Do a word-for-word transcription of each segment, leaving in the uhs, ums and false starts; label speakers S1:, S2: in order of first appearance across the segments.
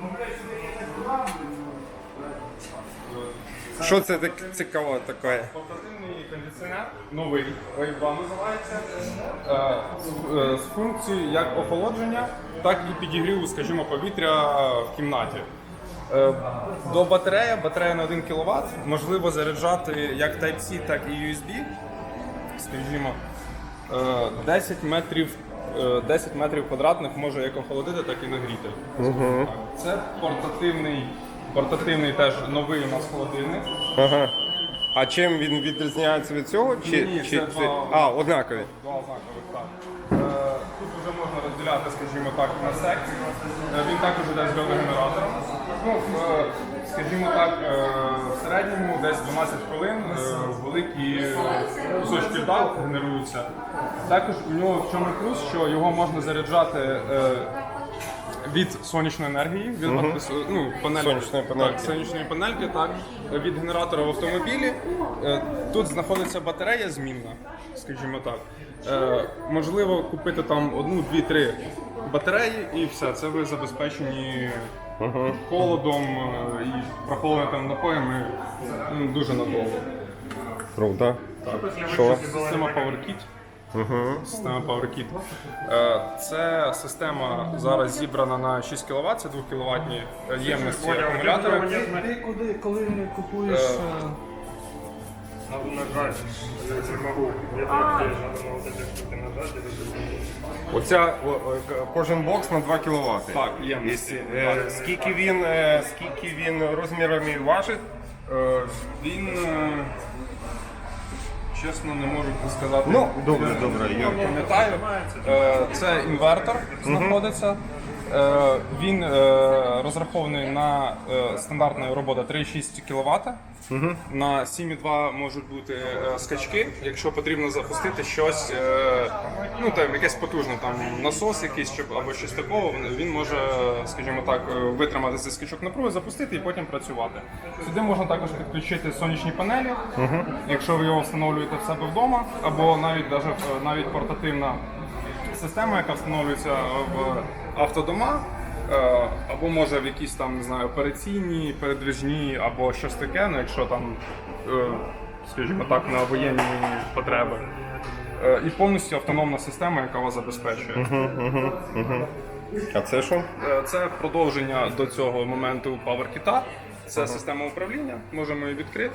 S1: Що це так цікаво таке?
S2: Портативний кондиціонер, новий, Wave два називається, е, з функцією як охолодження, так і підігріву, скажімо, повітря в кімнаті. Е, До батареї, батарея на один кіловат, можливо заряджати як Type-C, так і ю ес бі, скажімо, е, десять метрів, е, десять метрів квадратних може як охолодити, так і нагріти.
S1: Угу.
S2: Це портативний, портативний теж новий у нас холодильник.
S1: Ага. А чим він відрізняється від цього? Чи,
S2: Ні,
S1: чи
S2: це
S1: це...
S2: два-
S1: А, однакові.
S2: Два однакових, так. Е, Тут вже можна розділяти, скажімо так, на секції. Е, Він також йде з геогенератором. Ну, е, скажімо так, е, в середньому десь дванадцять хвилин е, великі кусочки льда генеруються. Також у нього в чому плюс, що його можна заряджати е, від сонячної енергії, від
S1: Мгм.
S2: ну, панельки,
S1: Сонячної панельки.
S2: Так, сонячної панельки, так, від генератора в автомобілі. Е, Тут знаходиться батарея змінна, скажімо так. Е, Можливо купити там одну, дві, три батареї і все. Це ви забезпечені
S1: Угу.
S2: холодом е, і прохолодним напоями ну, дуже надовго.
S1: Круто.
S2: Так.
S1: Що?
S2: Система PowerKit.
S1: Угу.
S2: Система PowerKit. Е, Це система зараз зібрана на шість кіловат, це двохкіловатні ємності акумулятори.
S3: Ти куди, коли купуєш
S2: Е,
S3: е,
S4: Нажать, я не могу. Я так надо на вот эти штуки нажать.
S1: Оця о, о, к- кожен бокс на два кіловати.
S2: Так, ємності.
S1: Е, скільки він, е, скільки він розмірами важить?
S2: Е, Він, е, чесно, не можу сказати.
S1: Ну, добре, добре.
S2: Я
S1: Я...
S2: пам'ятаю. Е, Це інвертор знаходиться. Е, Він е, розрахований на е, стандартну роботу три і шість кіловат. На сім і два можуть бути е, скачки, якщо потрібно запустити щось, е, ну там якесь потужне, там насос якийсь щоб, або щось такого, він- він може, скажімо так, е, витримати цей скачок напруги, запустити і потім працювати. Сюди можна також підключити сонячні панелі, якщо ви його встановлюєте в себе вдома, або навіть даже, е, навіть портативна система, яка встановлюється в автодома, е, або може в якісь там, не знаю, операційні, передвижні, або щось таке, ну якщо там, е, скажімо так, на воєнні потреби. Е, І повністю автономна система, яка вас забезпечує.
S1: А це що?
S2: Е, Це продовження до цього моменту PowerKit. Це система управління, можемо її відкрити.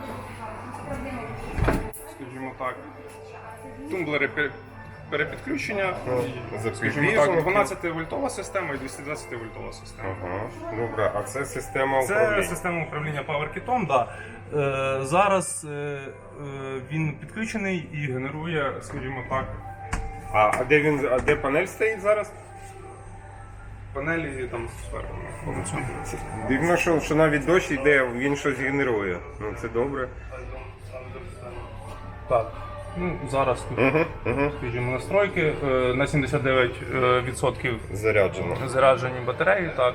S2: Скажімо так, тумблери пер- перепідключення, скажімо так, дванадцяти вольтова система і двісті двадцять вольтова система.
S1: Ага. Добре, а це система
S2: Це
S1: управління.
S2: система управління PowerKit, да.
S3: е, зараз е, е,
S2: Він підключений і генерує, скажімо так,
S1: А, а де він, а де панель стоїть зараз?
S2: панелі там зверху знаходяться.
S1: Дивно, що, що навіть дощ йде, він щось генерує. Ну це добре.
S2: Так. Ну, зараз тут,
S1: Угу, угу.
S2: скажімо, настройки е, на сімдесят дев'ять відсотків
S1: Заряджено.
S2: заряджені батареї, так.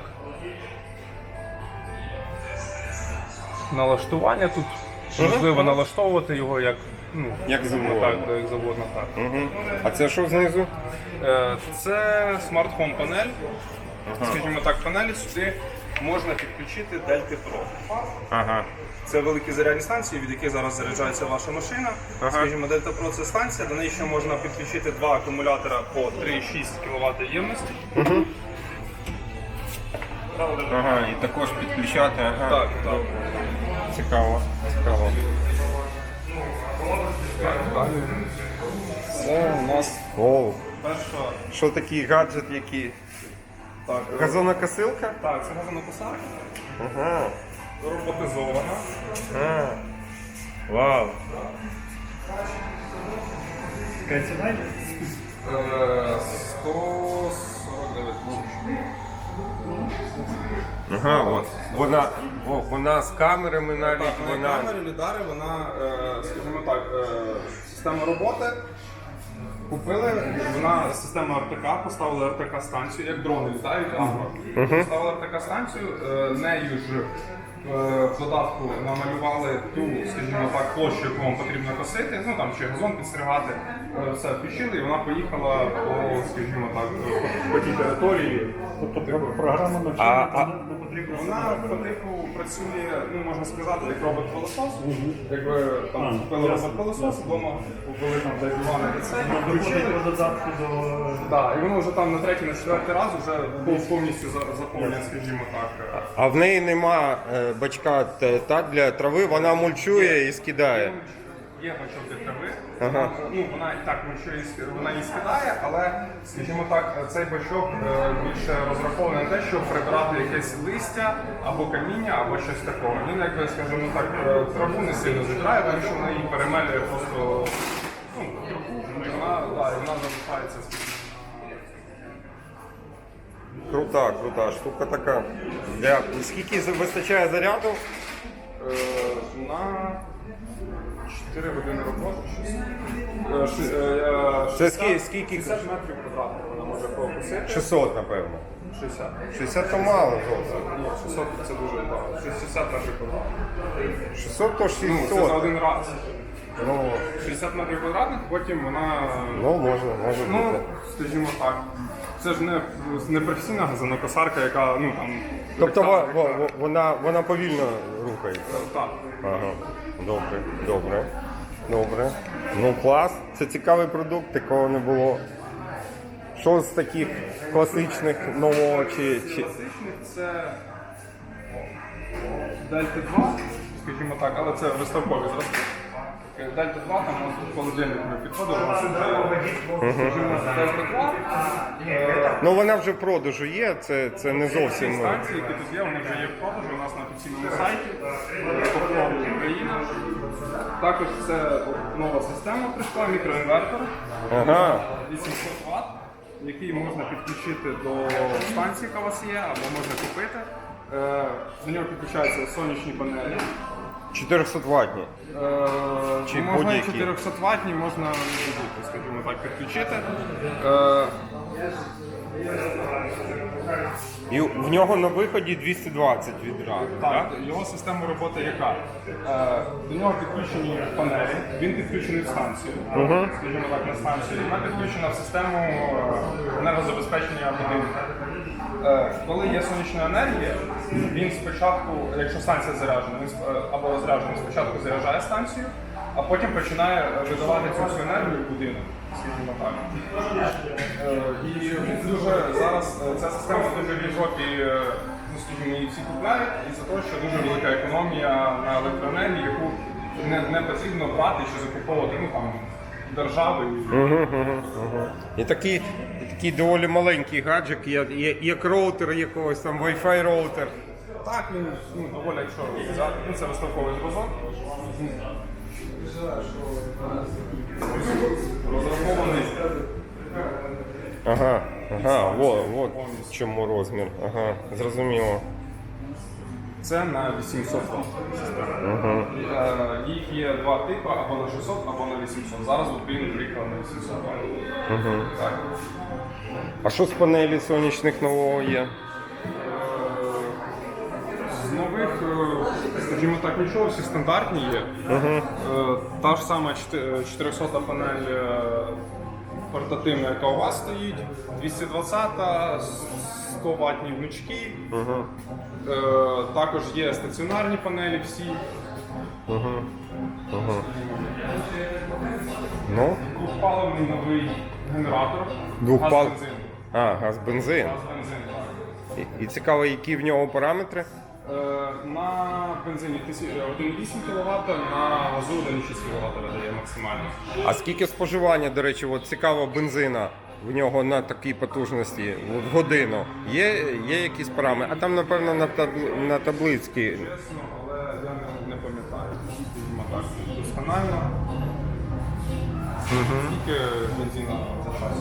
S2: Налаштування тут можливо налаштовувати його як, ну,
S1: Як завгодно.
S2: так, як завгодно, так.
S1: Угу. А це що знизу?
S2: Е, Це Smart Home панель. Скажімо так, панелі сюди можна підключити Delta Pro.
S1: Ага.
S2: Це великі зарядні станції, від яких зараз заряджається ваша машина.
S1: Ага.
S2: Скажімо, Delta Pro це станція, до неї ще можна підключити два акумулятора по три і шість кіловат ємності.
S1: Ага, і також підключати. Ага.
S2: Так, так.
S1: Цікаво. Цікаво.
S2: Це у нас
S1: Оу.
S2: перша.
S1: Що такий гаджет, який?
S2: Так,
S1: Газонокосилка?
S2: так, це газонокосарка,
S1: Ага.
S2: роботизована.
S1: А. Вау.
S2: Е, сто сорок дев'ять тисяч.
S1: Ага, от. Вона, о, вона з камерами навіть,
S2: Так, на
S1: вона...
S2: камері, лідари, вона, е, скажімо так, е, система роботи. Купили, вона система ар те ка, поставили ар те ка станцію, як дрони літають, агро. Поставили ар те ка станцію, е, нею ж в додатку намалювали ту, скажімо так, площу, яку вам потрібно косити, ну там чи газон підстригати, е, все включили, і вона поїхала по, скажімо так, по тій території.
S4: Тобто про- програма
S1: А,
S4: навчання
S1: а-
S4: не потрібно.
S2: Вона по типу працює, ну можна сказати, як робот-пилосос. Якби там купили робот-пилосос, вдома купили там десь два на ліцей, включили.
S4: Включити додатку до
S2: Так, і воно вже там на третій, на четвертий раз вже пов- повністю за- заповнює, скажімо так.
S1: А в неї нема е, бачка т- так для трави, вона мульчує і скидає.
S2: Є бачок для трави,
S1: Ага.
S2: ну вона і так мульчує, і ск- вона її скидає, але, скажімо так, цей бачок е, більше розрахований на те, щоб прибирати якесь листя або каміння, або щось такого. Він, якби, скажімо так, е, траву не сильно забирає, тому що вона її перемелює просто ну, і вона, да, і вона залишається, скажімо.
S1: Крута, крута, штука така. Для... Скільки за- вистачає заряду?
S2: Е, на чотири години роботи, щось. Е, ши- е,
S1: Це
S2: шістдесят
S1: скільки- скільки?
S2: шістдесят метрів квадратних вона може покусити.
S1: шістсот, напевно.
S2: шістдесят.
S1: шістдесят то мало зовсім.
S2: Ні, шістсот це дуже багато. шістдесят метрів квадратних.
S1: шістсот то
S2: Ну, це за
S1: шістсот.
S2: один раз.
S1: Ну,
S2: шістдесят метрів квадратних, потім вона,
S1: ну можна, може
S2: ну,
S1: бути.
S2: скажімо так, це ж не, не професійна газонокосарка, яка, ну, там...
S1: Тобто
S2: так,
S1: во-
S2: так,
S1: во-
S2: так.
S1: во- вона, вона повільно рухається.
S2: Так.
S1: Ага, добре, добре, добре. Ну клас, це цікавий продукт, такого не було. Що з таких класичних нового чи. чи...
S2: Класичних це Дельта два, скажімо так, але це виставкові зразки. Дельта два, там у нас тут холодильник ми підходили, у нас вже, скажімо, Дельта два. е,
S1: Ну вона вже в продажу є, це, це не
S2: Ці
S1: зовсім. ну,
S2: станції, які тут є, вони вже є в продажу у нас на офіційному сайті Попробуй Україна. Також це нова система прийшла, мікроінвертор
S1: Ага.
S2: вісімсот ватт, який можна підключити до станції, яка у вас є, або можна купити. Е, До нього підключаються сонячні панелі.
S1: чотириста ваттні.
S2: Е,
S1: Чи
S2: можна і
S1: будь-які?
S2: чотириста ваттні, можна будь-які, скажімо так, підключити. Е,
S1: І в нього на виході двісті двадцять відразу.
S2: Так, його система роботи яка? Е, До нього підключені панелі, він підключений в станцію, скажімо так, на станцію. Вона підключена в систему е, енергозабезпечення будинку. Е, Коли є сонячна енергія, він спочатку, якщо станція заряджена, він сп- е, або розряджений, спочатку заряджає станцію, а потім починає е, видавати цю всю енергію в будинок, скажімо так. Е, І дуже зараз е, ця система дуже в Європі, е, ну, скажімо, її всі купляють, і за те, що дуже велика економія на електроенергії, яку не, не потрібно брати чи закуповувати, ну там держави.
S1: І такий, і такий доволі маленький гаджет, є, є, як роутер якогось там, Wi-Fi роутер.
S2: Так, він ну, доволі, якщо взяти, ну, це виставковий зразок. Розрахований.
S1: Ага, ага, во, от чому розмір. Ага, зрозуміло.
S2: Це на вісімсот ватт система. Е, Їх є два типи, або на шістсот, або на вісімсот. Зараз от він приїхав на вісімсот ватт. Так.
S1: А що з панелі сонячних нового є?
S2: З нових, е, скажімо так, нічого, всі стандартні є. Е, Та ж сама чотирисота панель е, портативна, яка у вас стоїть, двісті двадцять, сто ваттні гнучки. Е, Також є стаціонарні панелі всі.
S1: Ну,
S2: Двохпаливний новий генератор.
S1: Двохпал-
S2: Газ-бензин.
S1: а, газ бензин.
S2: Газ-бензин, так.
S1: І, і цікаво, які в нього параметри?
S2: Е, На бензині один цілих вісім кіловат, на газу один цілих шість кіловат видає максимально.
S1: А скільки споживання, до речі, от цікаво, бензина в нього на такій потужності в годину? Є, є якісь параметри? А там, напевно, на, таб- на таблицькій.
S2: Чесно, але я не, не пам'ятаю. Скажімо так, досконально. Скільки бензина за час?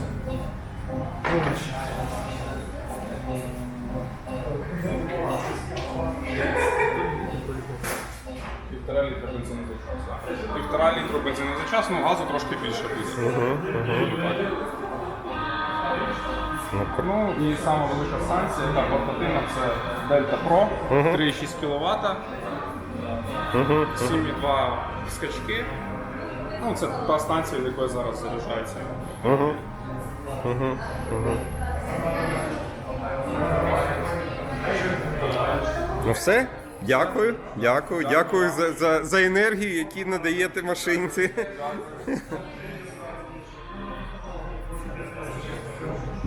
S2: Півтора літра бензину за час. так. Півтора літру бензину за час, ну газу трошки більше. десь. Ну і сама велика станція, яка портативна, це Delta Pro, три і шість кіловата, сім і два скачки. Ну, це та станція, від якої зараз заряджається.
S1: Ну все, дякую, дякую, дякую за, за, за енергію, яку надаєте машинці.